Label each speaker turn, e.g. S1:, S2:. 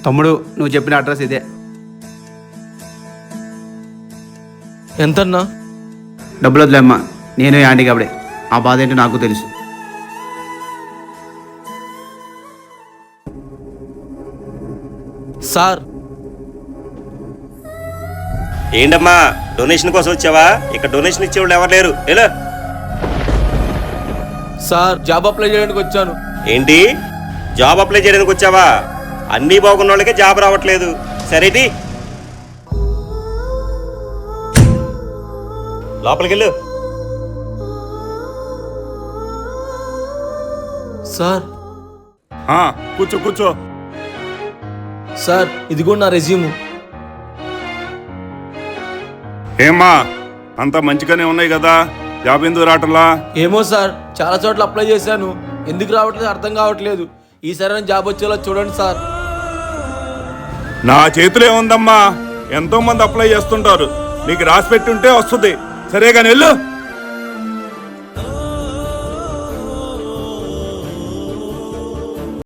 S1: తమ్ముడు నువ్వు చెప్పిన అడ్రస్ ఇదే.
S2: ఎంతన్నా?
S1: డబ్బులు వదిలేమ్మా, నేను యాంటీ కాబడే, ఆ బాధ ఏంటో నాకు తెలుసు.
S2: సార్
S3: ఏంటమ్మా డొనేషన్ కోసం వచ్చావా? ఇక్కడ డొనేషన్ ఇచ్చేవాళ్ళు ఎవరు లేరు. ఎలా
S2: సార్ జాబ్ అప్లై చేయడానికి వచ్చాను.
S3: ఏంటి జాబ్ అప్లై చేయడానికి వచ్చావా? అన్నీ బాగున్న వాళ్ళకే జాబ్ రావట్లేదు. సరేటి లోపలికి వెళ్ళు.
S2: సార్
S4: కూర్చో కూర్చో.
S2: సార్ ఇదిగో నా రెజ్యూమ్.
S4: ఏమ్మా అంతా మంచిగానే ఉన్నాయి కదా, జాబ్ ఎందుకు రావట్లా?
S2: ఏమో సార్, చాలా చోట్ల అప్లై చేశాను, ఎందుకు రావట్లేదు అర్థం కావట్లేదు. ఈసారి జాబ్ వచ్చేలా చూడండి సార్.
S4: నా చేతిలో ఏముందమ్మా, ఎంతో మంది అప్లై చేస్తుంటారు, నీకు రాసి పెట్టుంటే వస్తుంది. సరే కానీ వెళ్ళు.